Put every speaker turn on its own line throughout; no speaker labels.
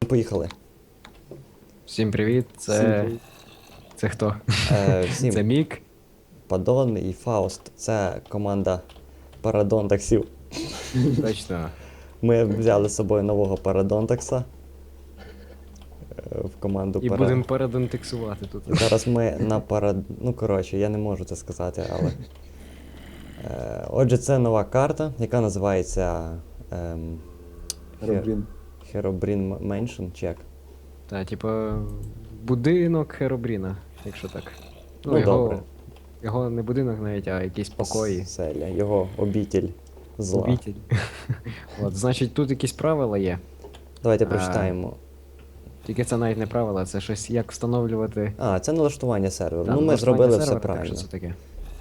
поїхали.
Всім привіт,
Всім
це.
привіт.
Це хто?
Всім
Це Мік.
Падон і Фауст. Це команда Парадонтаксів.
Точно.
Ми взяли з собою нового Парадонтакса в команду
І будемо передентексувати тут.
Зараз ми на Ну, коротше, я не можу це сказати, але. Отже, це нова карта, яка називається
Робін.
Herobrine Mansion, чи як?
Та, типа, будинок Херобріна, якщо так.
Ну, добре.
Його не будинок навіть, а якісь покої.
Селя, його обітель зла.
Обітель. От, значить, тут якісь правила є.
Давайте прочитаємо.
Тільки це навіть не правила, це щось як встановлювати.
Це налаштування серверу.
Та,
Ну, ми
налаштування
зробили все
сервера,
правильно.
Так, що це таке?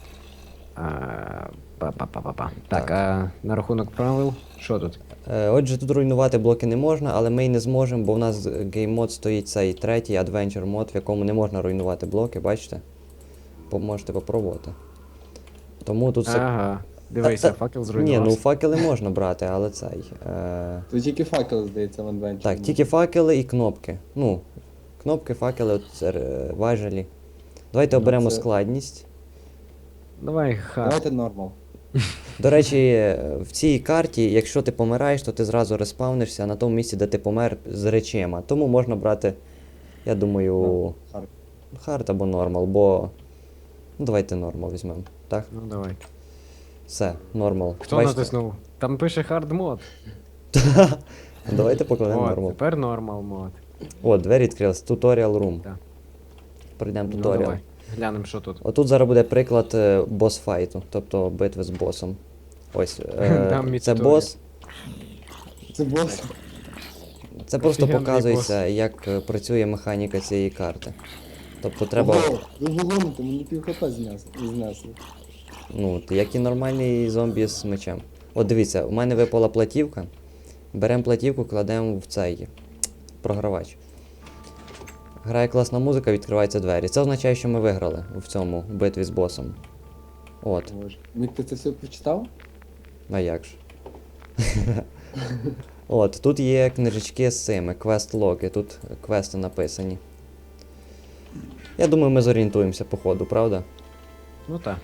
Па-па-па-па-па. Так, а на рахунок правил, що тут?
Отже, тут руйнувати блоки не можна, але ми й не зможемо, бо в нас гейммод стоїть цей третій Adventure мод, в якому не можна руйнувати блоки, бачите? Можете попробувати. Тому тут все.
Ага, дивися, факел
Ні,
зруйнувався.
ну факели можна брати, але цей.
Тут тільки факел, здається, в Adventure.
Так, тільки факели і кнопки. Ну, кнопки, факели, важелі. Давайте
Ну,
оберемо
це-
складність.
Давай,
Давайте нормал.
До речі, в цій карті, якщо ти помираєш, то ти зразу респавнишся на тому місці, де ти помер з речима. Тому можна брати, я думаю,
Хард.
хард або нормал, бо. Ну, давайте нормал візьмемо. Так?
Ну давай.
Все, нормал.
Хто
Бачите?
натиснув? Там пише hard мод.
Давайте покладемо
От,
нормал.
тепер нормал мод.
О, двері відкрились. Tutorial room.
Так.
Пройдемо
Ну
туторіал.
давай. Глянемо, що тут.
Отут зараз буде приклад босс-файту, тобто битви з босом. Ось,
Дам мені
це
туторіал.
бос.
Це бос.
Це просто
Офігенний
показується, як працює механіка цієї карти. Тобто треба,
Ого, ви вогоните, мені пів хп знесли.
ну, як і нормальний зомбі з мечем. От дивіться, у мене випала платівка. Беремо платівку, кладемо в цей програвач. Грає класна музика, відкриваються двері. Це означає, що ми виграли в цьому битві з босом. От,
Боже. Мік, ти це все прочитав?
а як ж. От, тут є книжечки з цими, квест-логи, тут квести написані. Я думаю, ми зорієнтуємося по ходу, правда?
Ну так.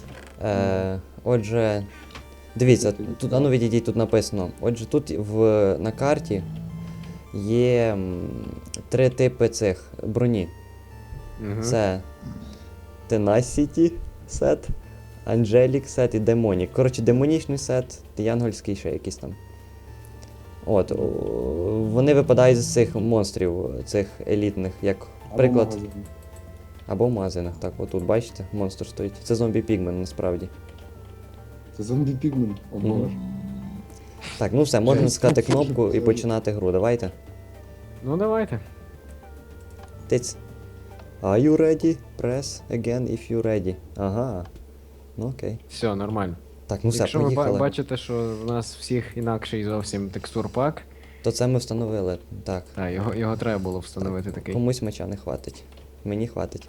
Отже, дивіться, тут, ану відійдіть, тут написано. Отже, тут на карті є 3 типи цих броні.
Угу.
Це Tenacity сет, Angelic сет і Demonic. Коротше, демонічний сет, янгольський ще якийсь там. От, вони випадають з цих монстрів, цих елітних, як приклад.
Або магазин.
Або в магазинах, так, отут, бачите, монстр стоїть. Це зомбі пігмен насправді.
Це зомбі пігмен. О
Мгм.
боже.
Так, ну все, можна натискати кнопку і починати гру. Давайте.
Ну давайте.
Тиць. Are you ready? Press again if you ready. Ага. Ну окей.
Все, нормально.
Так, ну все,
Якщо ви
поїхали.
бачите, що в нас всіх інакший зовсім текстурпак,
То це ми встановили. Так.
його треба було встановити такий.
Комусь меча не хватить. Мені хватить.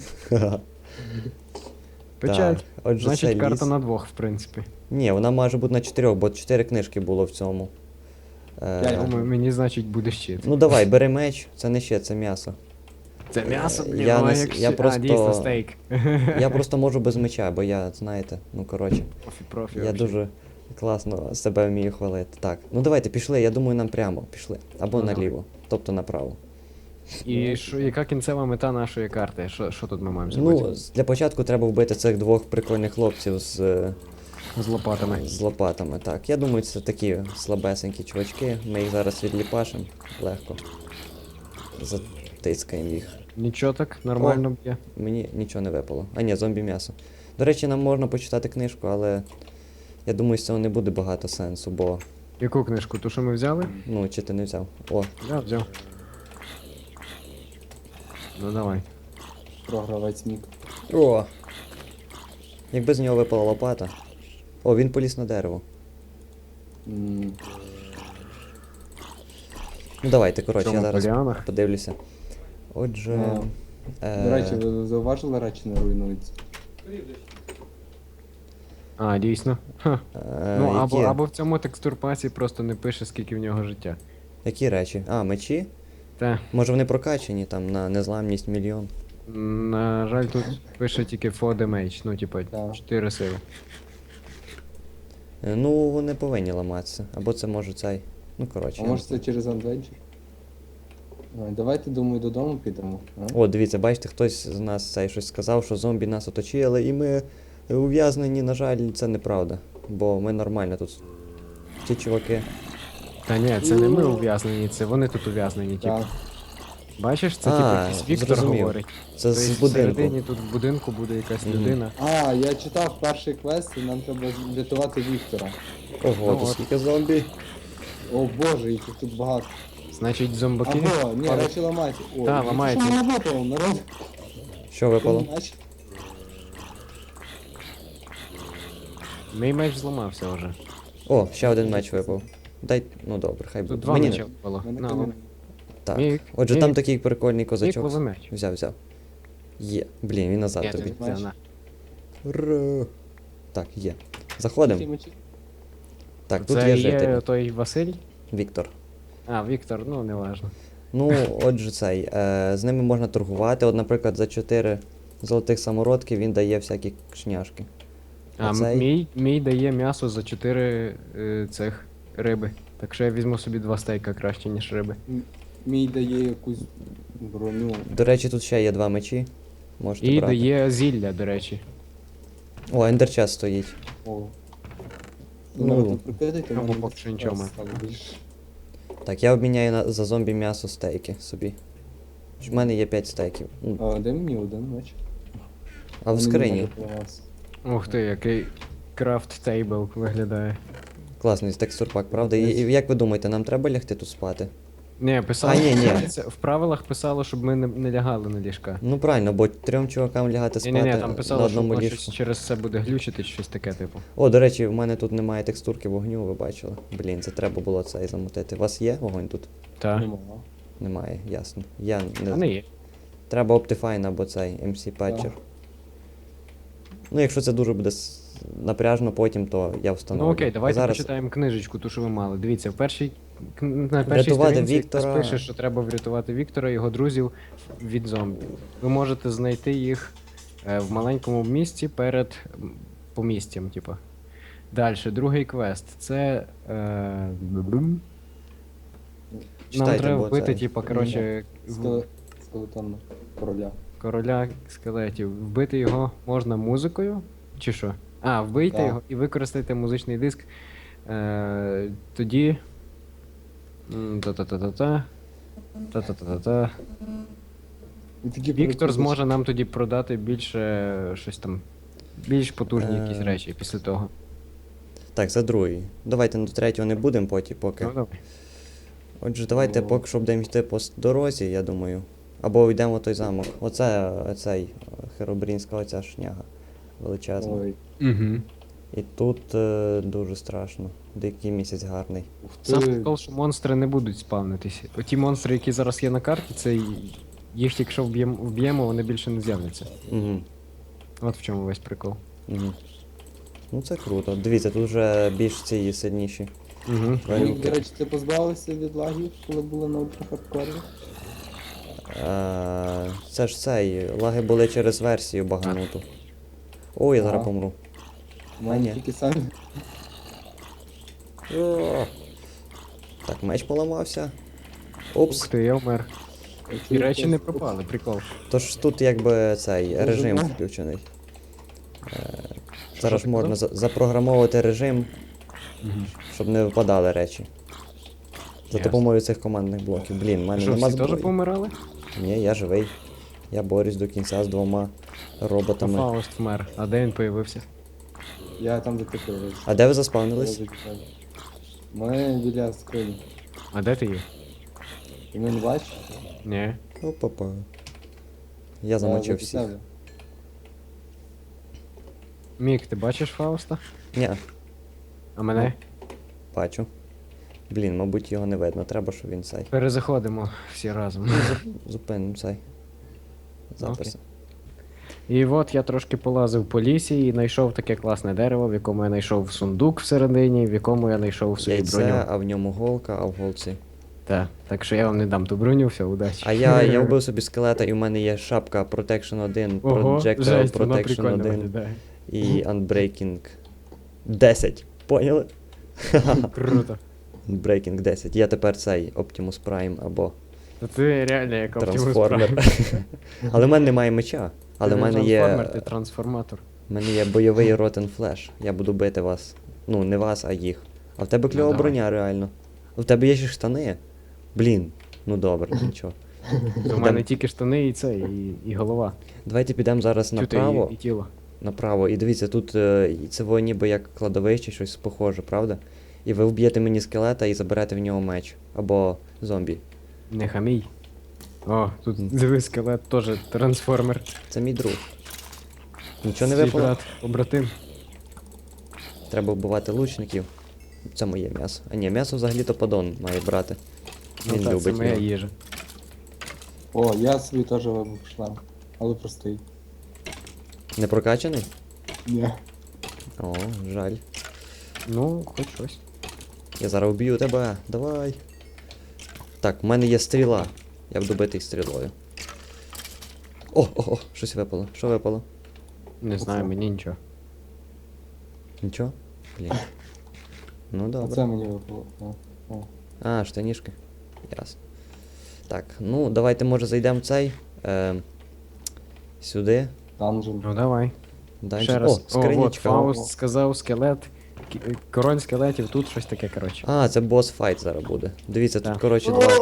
Печаль.
Так, отже,
Значить,
це
карта
ліс.
на 2, в принципі.
Ні, вона може бути на 4, бо 4 книжки було в цьому.
Я
Думаю, мені, значить, буде щит.
Ну давай, бери меч, це не ще, це м'ясо.
Це м'ясо, блін,
я
воно
не с-
як
я
щит.
просто-
А, дійсно, стейк.
Я просто можу без меча, бо я, знаєте, ну коротше.
Профі,
Я
вообще.
дуже класно себе вмію хвалити. Так, ну давайте пішли, я думаю, нам прямо пішли. Або
Ну, давай.
наліво, тобто направо.
І що, яка кінцева мета нашої карти? Що тут ми маємо зробити?
Ну, для початку треба вбити цих двох прикольних хлопців
З лопатами.
з лопатами. Так, я думаю, це такі слабесенькі чувачки. Ми їх зараз відліпашимо легко. Затискаємо їх.
Нічого так, нормально б'є.
Мені нічого не випало. А ні, зомбі м'ясо. До речі, нам можна почитати книжку, але я думаю, з цього не буде багато сенсу, бо.
Яку книжку? Ту, що ми взяли?
Ну, чи ти не взяв? О,
Я взяв. Ну давай.
Програвець Мік.
О! Якби з нього випала лопата. О, він поліз на дерево.
М,
Ну давайте, коротше, я
Чому,
зараз
поліанах?
подивлюся. Отже.
До речі, ви зауважили, речі не руйнуються?
А, дійсно. Ха. Ну,
які,
або в цьому текстурпасі просто не пише, скільки в нього життя.
які речі? А, мечі?
Та,
Може вони прокачані там на незламність мільйон.
на жаль, тут пише тільки 4 damage, ну, типа,
Так.
4 сили.
Ну, вони повинні ламатися. Або це може цей. Ну, коротше.
А
я
може
не
це через Adventure? Давайте, думаю, додому підемо. А?
О, дивіться, бачите, хтось з нас цей щось сказав, що зомбі нас оточили, і ми ув'язнені, на жаль, це неправда. Бо ми нормально тут. Ті чуваки.
Та ні, це не ми ув'язнені, це вони тут ув'язнені, типу.
Так.
Бачиш, це
А,
типу якийсь Віктор
зрозумів.
говорить.
Це
Тобто
з будинку.
всередині тут в будинку буде якась
Мгм.
людина.
А, я читав перший квест, і нам треба врятувати Віктора.
Ого,
Ну,
тут
от.
скільки зомбі.
О боже, їх тут багато.
Значить, зомбаки.
Або, ні,
падають.
речі ламайте. О,
Та,
ну,
ламається.
Що не випало, народ?
Що випало?
Меч.
Мій меч зламався вже.
О, ще один меч випав. Дай, ну добре, хай
Тут
буде.
два
Мені
меча
не...
випало.
Мене
На,
камінь.
лом.
Так.
Мік,
Отже,
Мік,
там такий прикольний
Мік,
козачок.
лови меч.
Взяв. Є. Блін, він назад
Ні,
тобі.
ти це, на.
Ура. Так, є.
Які
Заходимо.
мечі?
Так, тут
Це
є
є
житель.
той Василь?
Віктор.
А, Віктор, ну не важно.
Ну, отже, цей. З ними можна торгувати. От, наприклад, за 4 золотих самородки він дає всякі шняшки.
А
цей?
мій дає м'ясо за 4 цих риби. Так що я візьму собі 2 стейка краще, ніж риби.
Мій дає якусь броню.
До речі, тут ще є 2 мечі. Можете
І
брати.
дає зілля, до речі.
О, ендерчас стоїть.
О.
Ну,
Народ, прикидайте,
тому
мене
поки що нічого ми.
стало більше.
Так, я обміняю за зомбі м'ясо стейки собі. В мене є 5 стейків. Ну,
А, де мені один меч?
а в
Мені
скрині.
не допомагався.
Ух ти, який крафт тейбл виглядає.
Класний текстурпак, правда? І як ви думаєте, нам треба лягти тут спати?
Ні, писало,
ні.
це в правилах писало, щоб ми не лягали на ліжка.
Ну правильно, бо 3 чувакам лягати спати
Ні, там
на
писало, що
одному
воно
ліжку.
щось через це буде глючити, чи щось таке, типу.
О, до речі, в мене тут немає текстурки вогню, ви бачили. Блін, це треба було цей замутити. У вас є вогонь тут?
Так.
Нема.
Немає, ясно. Я
А
не...
не є.
Треба Optifine або цей MC Patcher.
Так.
Ну, якщо це дуже буде напряжно потім, то я встановлю.
Ну окей,
А
давайте
зараз...
почитаємо книжечку, ту, що ви мали. Дивіться, на першій
Врятувати
сторінці
Віктора.
якраз пише, що треба врятувати Віктора і його друзів від зомбі. Ви можете знайти їх в маленькому місті перед помістям, типу. Далі, другий квест. Це. Нам
Читайте,
треба
бо
вбити,
це-
типу, коротше,
Скелетон короля.
короля скелетів. Вбити його можна музикою, чи що? А, вбийте
Так.
його і використайте музичний диск. Тоді. Та-та-та-та-та. Та-та-та-та-та.
І такі
Віктор
прикольні.
зможе нам тоді продати більше щось там. Більш потужні якісь
Е.
речі після того.
Так, за другий. Давайте до третього не будемо потім поки.
Ну, давай.
Отже, давайте
Ну.
поки що будемо йти по дорозі, я думаю. Або йдемо в той замок. Оце цей Херобрінська оця шняга величезна.
Ой,
Угу.
І тут дуже страшно. Дикий місяць гарний.
ух
Сам
ти.
прикол, що монстри не будуть спавнитись. Оті монстри, які зараз є на карті, це їх якщо вб'ємо, вони більше не з'являться.
Угу.
От в чому весь прикол.
Угу. Ну це круто. Дивіться, тут вже більш ці сильніші.
Угу.
Мік,
тварюки.
до речі, ти позбавився від лагів, коли були на ультрахардкорі?
Це ж цей. Лаги були через версію багануту. Ой, я зараз
Ага.
помру.
У мене
ні.
тільки самі.
О! Так, меч поламався. Опс.
Ух ти, я вмер. І речі не пропали, прикол.
Тож тут якби цей режим
Режим.
включений.
Що
Зараз
ти
можна
казав?
запрограмовувати режим,
Угу.
щоб не випадали речі. За
Ясно.
допомогою цих командних блоків. Блін, в мене
Що,
нема
всі теж
зброї.
помирали?
Ні, я живий. Я борюсь до кінця з 2
А
роботами.
Фауст вмер. А де він появився?
Я там де ти появився.
А де ви заспавнились?
Ми біля скрині.
А де ти є?
І ми не бачиш?
Ні.
Опа-па. Я замочив всіх.
Мік, ти бачиш Фауста?
Ні,
А мене?
бачу. Блін, мабуть, його не видно. Треба, щоб він цей.
Перезаходимо всі разом.
Зупинимо цей. Запис.
І от я трошки полазив по лісі і знайшов таке класне дерево, в якому я знайшов сундук всередині, в якому я знайшов свою
Яйце,
броню.
а в ньому голка, а в голці
Так що я вам не дам ту броню, все, удачі.
А я вбив собі скелета, і в мене є шапка Protection 1,
Ого,
Projectile
жесть, вона
Protection
прикольно
1
виглядає.
і Unbreaking 10. Поняли?
Круто.
Unbreaking 10. Я тепер цей Optimus Prime або
Та ти реально як Optimus
Трансформер.
Prime.
Але в мене немає меча. Але
Ти
в
не
мене є.
трансформер, ти трансформатор.
В мене є бойовий Rotten Flash. Я буду бити вас. Ну, не вас, а їх. А в тебе кльова
давай.
броня, реально. А в тебе є ще штани. Блін. Ну добре, нічого.
У мене тільки штани і це, і голова.
Давайте підемо зараз
Чути,
направо.
і тіло.
Направо. І дивіться, тут це во ніби як кладовище, щось похоже, правда? І ви вб'єте мені скелета і заберете в нього меч. Або зомбі.
Не хамій. О, тут дивись, скелет теж трансформер.
Це мій друг. Нічого не
Свій
випало?
брат, побратим.
Треба вбивати лучників. Це моє м'ясо. А ні, м'ясо взагалі-то подон має брати.
Ну
Він
так, це
любить
моя
його.
їжа.
О, я собі теж вибив шлем. Але простий.
Не прокачаний?
Ні.
О, жаль.
Ну, хоч щось.
Я зараз вб'ю тебе. Давай. Так, в мене є стріла. Я буду бити їх стрілою. О, щось випало. Що випало?
Не знаю, мені нічого.
Нічого? Блін. Ну добре.
Оце мені випало. О.
А, штанішки. Ясно. Так, ну давайте може зайдемо в цей. Сюди.
Данжен.
Ну давай.
Дальше.
Ще раз.
О,
О, от
скринічка.
Фауст сказав скелет. Король скелетів, тут щось таке, коротше.
А, це бос файт зараз буде. Дивіться, тут,
Так.
коротше, 20.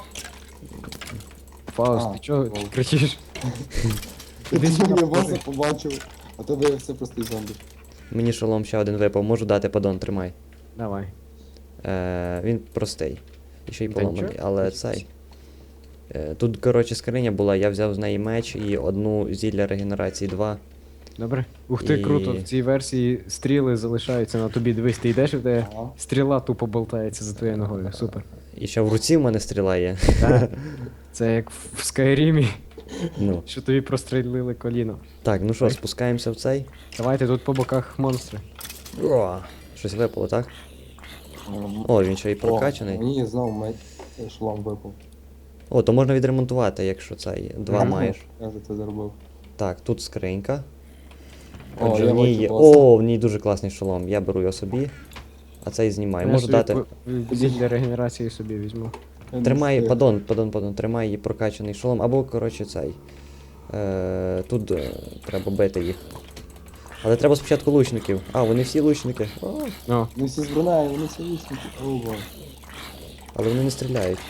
Фауст,
А,
ти чого
лол.
кричиш?
Я
Іди сюди,
боса
покажи.
побачив, а то виявився простий зомбі.
Мені шолом ще один випав. Можу дати подон, тримай.
Давай.
Він простий. І ще й
Та
поламаний,
нічого.
але цей. Тут, коротше, скриня була, я взяв з неї меч і одну зілля регенерації 2.
Добре. Ух ти,
І-
круто. В цій версії стріли залишаються на тобі. Дивись, ти йдеш і в тебе
Ага.
стріла тупо болтається за твоєю ногою. Супер.
І ще в руці в мене стріла є.
Так. Це як в Скайрімі,
Ну.
що тобі прострілили коліно.
Так, ну що,
Ой.
спускаємося в цей.
Давайте тут по боках монстри.
О, щось випало, так? О, він ще й прокачаний.
О, мені знову шлом випав.
О, то можна відремонтувати, якщо цей. Два
Ага.
маєш.
Я вже це зробив.
Так, тут скринька.
О,
Отже,
я
в ній
бачу
є.
боса.
О, в ній дуже класний шолом. Я беру його собі. А цей знімаю.
Я
Можу
собі
дати.
Зілля регенерації собі візьму.
Я не
Тримай,
встиг.
падон, тримай її прокачаний шолом. Або, коротше, цей. Тут треба бити їх. Але треба спочатку лучників. А, вони всі лучники. О,
О,
Вони всі зброняють, вони всі вічники. О, боже.
але вони не стріляють.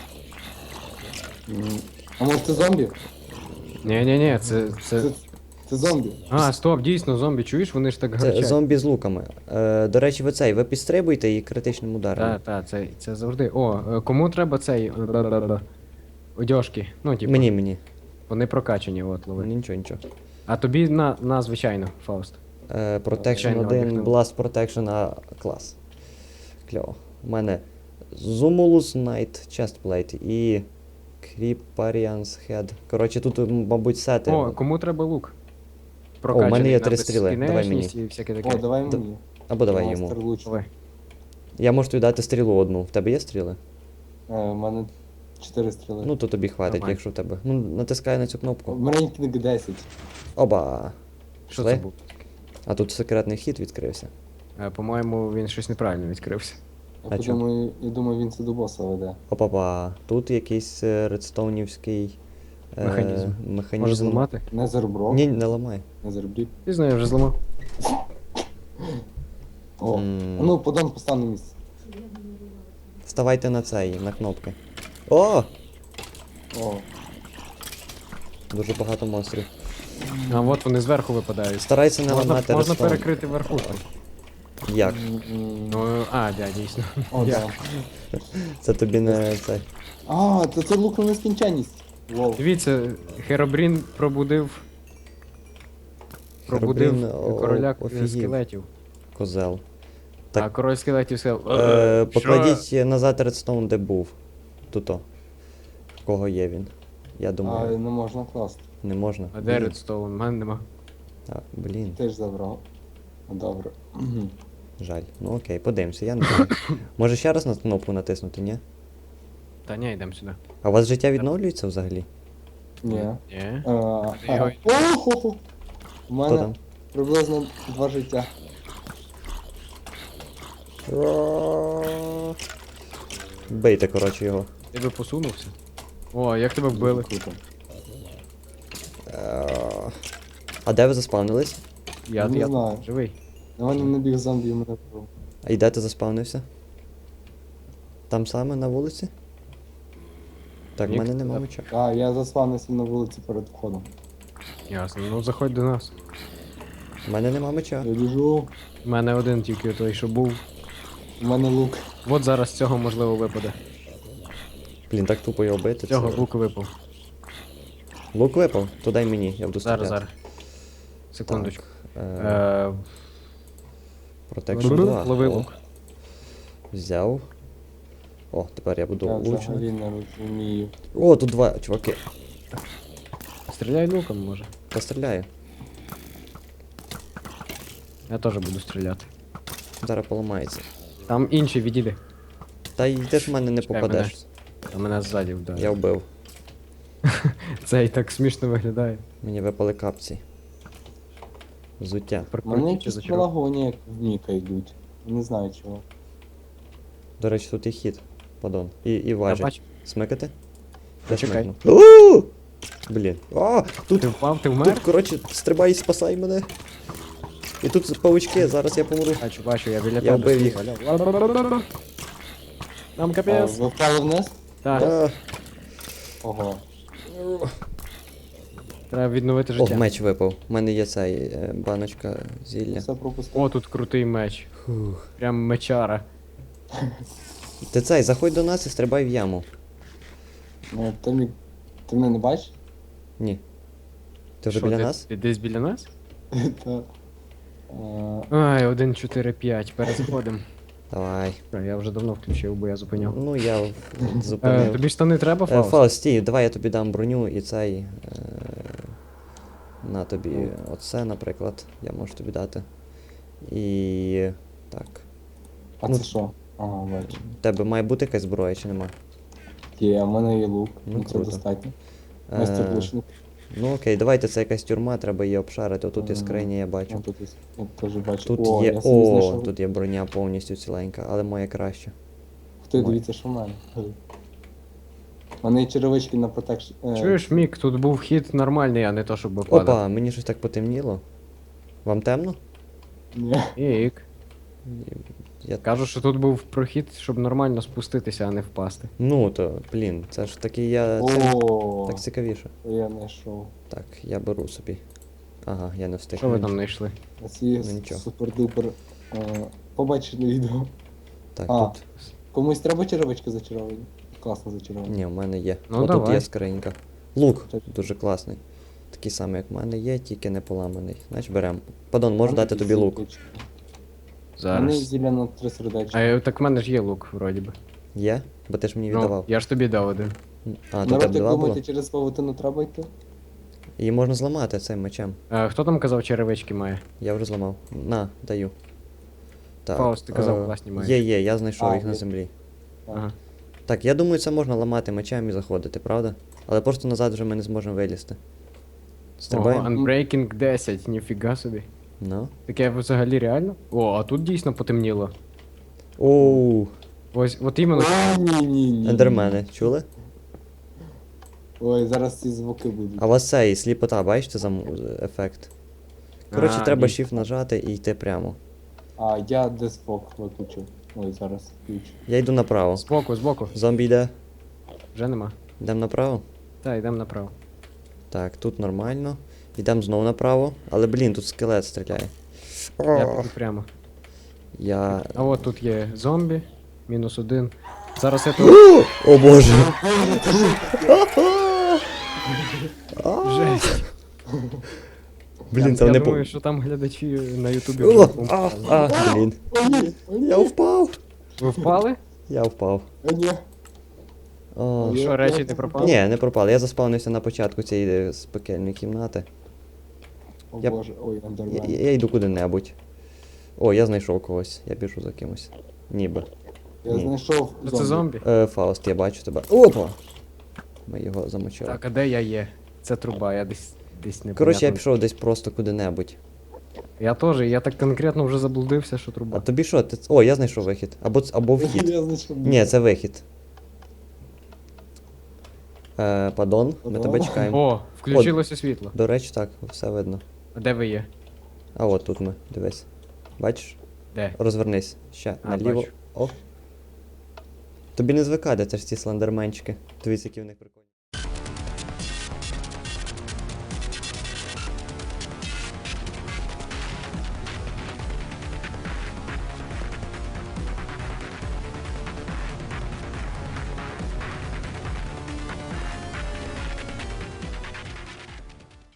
А може це зомбі?
ні, це.
Це зомбі.
А, стоп, дійсно, зомбі, чуєш, вони ж так
Це
гарчать.
зомбі з луками. До речі, ви підстрибуйте і критичним ударом.
Так, це завжди. О, кому треба цей. Одяжки. Ну, типу,
Мені.
вони прокачані, от лови.
Нічого.
А тобі на звичайно, Фауст.
Protection
Звичайно,
1,
об'єктивно.
Blast Protection, а клас. Кльово. У мене Zumulus Knight Chestplate і Creeparian's Head. Коротше, тут, мабуть, сети.
О, кому треба лук?
у мене є
на
3 стріли, давай
безкінечність
мені.
І всяке таке.
О, давай
Д-
мені.
Або давай
Мастер
йому.
луч.
Давай.
Я можу тобі дати стрілу одну. В тебе є стріли?
У мене 4 стріли.
Ну, то тобі хватить,
Нормально.
якщо в тебе. Ну, натискай на цю
У
кнопку.
мене кінг 10.
Оба.
Що
Пішли?
це був?
А тут секретний хід відкрився.
По-моєму, він щось неправильно відкрився.
А чо?
Я думаю, він це до боса веде.
Опа-па. Тут якийсь редстоунівський
Механізм.
механізм.
Може зламати?
Незерброк.
Ні, не ламай.
Незербрік.
Пізно я вже зламав.
О,
М.
ну подам постав на місце.
Ставайте на цей, на кнопки. О!
О,
Дуже багато монстрів.
А от вони зверху випадають.
Старайся не
Можна
ламати редстоун.
перекрити верхушку.
Як?
Ну, дійсно.
О,
Я.
да.
Це тобі не цей.
А, це лук на нескінченність. Лол.
Дивіться, Херобрін пробудив
Херобрін,
короля
офігів.
скелетів.
Козел.
А
Так.
король скелетів сказав.
Покладіть назад редстоун, де був. Туто. В кого є він? Я
А,
думаю,
не можна класти.
не можна.
А де Редстоун? У мене нема.
Блін,
Теж забрав. Добре.
жаль. Ну окей, подивимося, я не знаю. Може ще раз на кнопку натиснути, ні?
Та ні, йдемо сюди.
А у вас життя відновлюється взагалі?
Ні.
Ні.
Ого! У
Хто
мене
там?
приблизно 2 життя.
Бийте, коротше, його.
Ти би посунувся. О, як тебе вбили?
Круто.
А де ви заспавнились?
Не знаю.
живий.
На мене набіг зомбі і мене вбив.
А і де ти заспавнився? Там саме на вулиці? Так, в
Ні,
мене нема
так.
меча.
А, я заспавнився на вулиці перед входом.
Ясно, ну заходь до нас.
В мене нема меча.
Я біжу,
У мене один тільки той, що був.
у мене лук.
От зараз з цього можливо випаде.
Блін, так тупо його бити.
З цього
це-
лук випав.
Лук випав? То дай мені, я буду стріляти.
Зараз. Секундочку.
Так,
Е,
Protection 2.
Лови
О,
лук.
взяв. О, тепер я буду
Я
влучний.
взагалі не розумію.
О, тут два чуваки.
Стріляй луком, може.
Постріляю.
Я теж буду стріляти.
Зараз поламається.
Там інші відійди.
Та й ти ж в мене не
Чекай
попадеш.
А мене ззаді вдарили.
Я вбив.
Це і так смішно виглядає.
Мені випали капці. Взуття.
У мене
Прикрутіть
якісь
зачаров.
пролагування як в Ніка йдуть. Не знаю чого.
До речі, тут і хід. Падон. І
Я
важить.
бачу.
Смикати?
Зачекай.
Смикну. У! Блін. А, тут,
Ти впав, ти
тут,
вмер?
коротше, стрибай і спасай мене. І тут павучки, зараз я помру.
Бачу, я біля
Я
тебе.
вбив їх.
стою. Нам
А,
капець.
ви впали вниз?
Так,
А,
Ого.
треба відновити
О,
життя.
меч випав. У мене є цей баночка зілля.
Все пропустив.
О, тут крутий меч.
Фух.
Прям мечара.
Ти цей, заходь до нас і стрибай в яму.
Ти мене не бачиш?
Ні. Ти вже
Що,
біля
ти-
нас?
Ти десь біля нас?
Та.
Ай, 1, 4, 5, перезаходим.
Давай.
Я вже давно включив, бо я зупиняв.
Ну я зупинив.
Тобі штани треба, Фауст?
Фауст, стій, давай я тобі дам броню і цей. На тобі оце, наприклад, я можу тобі дати. І. Так.
А
Ну,
це що? Ага, бачу.
У тебе має бути якась зброя чи нема?
Є, а в мене є лук.
Ну,
Ну це
круто.
достатньо.
Е,
Майстер лучник.
Ну окей, давайте це якась тюрма, треба її обшарити. Отут є
Ага.
скриня, я
Ну,
бачу.
тут я теж бачу.
Тут
О,
є.
я собі
О,
знайшов.
тут є броня повністю ціленька, але моя краще.
Хто
Ой.
дивіться, що в мене. У мене є черевички на протекшн.
Чуєш, Мік, тут був вхід нормальний, а не то, щоб падав.
Опа, мені щось так потемніло. Вам темно?
Ні.
Мік.
Я...
Кажу, що тут був прохід, щоб нормально спуститися, а не впасти.
Ну то, блін, це ж таки я. Це...
О,
Так цікавіше.
я знайшов.
Так, я беру собі. Ага, я не встиг.
Що ви там знайшли?
А ці
Ну, нічого.
супер-дупер. Побачили відео.
Так,
А.
тут.
Комусь треба черевички зачаровані? Класно зачаровані.
Ні, в мене є.
Ну,
О, тут
давай.
є скринька. Лук
Так.
дуже класний. Такий самий, як в мене є, тільки не поламаний. Значить беремо. Падон, можу
Там
дати
якісь
тобі лук.
зілочки. У мене
Зараз.
зілля на 3 сердечка.
Так в мене ж є лук, вроді би.
Є? Бо ти ж мені
Ну,
віддавав.
я ж тобі дав один.
А, то
Народ,
тебе
як
два було?
думаєте, через павутину треба йти?
Її можна зламати цим мечем.
Хто там казав, черевички має?
Я вже зламав. На, даю. Так.
Фауст, ти казав, класні маєш.
Є, я знайшов
А,
їх на
є.
землі.
Ага.
Так, я думаю, це можна ламати мечем і заходити, правда? Але просто назад вже ми не зможемо вилізти.
Ого,
Стрибаємо?
Unbreaking 10, ніфіга собі.
Ну.
Таке взагалі реально? О, а тут дійсно потемніло.
Оу,
Ось, от іменно.
Ні.
ендермени, чули?
Ой, зараз ці звуки будуть.
А у вас цей сліпота, бачите ефект? Коротше,
А,
треба
ні.
Shift нажати і йти прямо.
А, я деспок виключу. Ой, зараз включу.
Я йду направо.
Збоку.
Зомбі йде.
Вже нема.
Йдемо направо.
Так, йдемо направо.
Так, тут нормально. Йдемо знову направо. Але блін, тут скелет стріляє.
Я піду прямо.
Я.
А от тут є зомбі. -1. Зараз я тут.
О боже!
Жесть.
Блін,
я
там не
думаю, що там глядачі на Ютубі
О,
вже помпали.
блін. Я впав!
Ви впали?
Я впав.
А, ні.
О.
Що, речі не пропали?
Ні, не пропали. Я заспавнився на початку цієї спекельної кімнати.
О
Я-
боже, ой,
Я,
андермен.
я йду куди-небудь. О, я знайшов когось. Я біжу за кимось. Ніби.
Я
Ні.
знайшов
Ну, це зомбі?
Фауст, я бачу тебе. Опа! Ми його замочили.
Так, а де я є? Це труба, я десь не
Коротше, я пішов десь просто куди-небудь.
Я теж, я так конкретно вже заблудився, що
А
труба.
тобі що? О, я знайшов вихід. Або вхід.
Я знайшов.
Ні, це вихід. Падон, ми
Падон?
тебе чекаємо.
О, включилося світло.
До речі, так, все видно.
А де ви є?
А от тут ми, дивись. Бачиш?
Де?
Розвернись. Ще,
А,
наліво.
бачу.
О. Тобі не звикати, це ж ці слендерменчики. Дивись, які в них прикольні.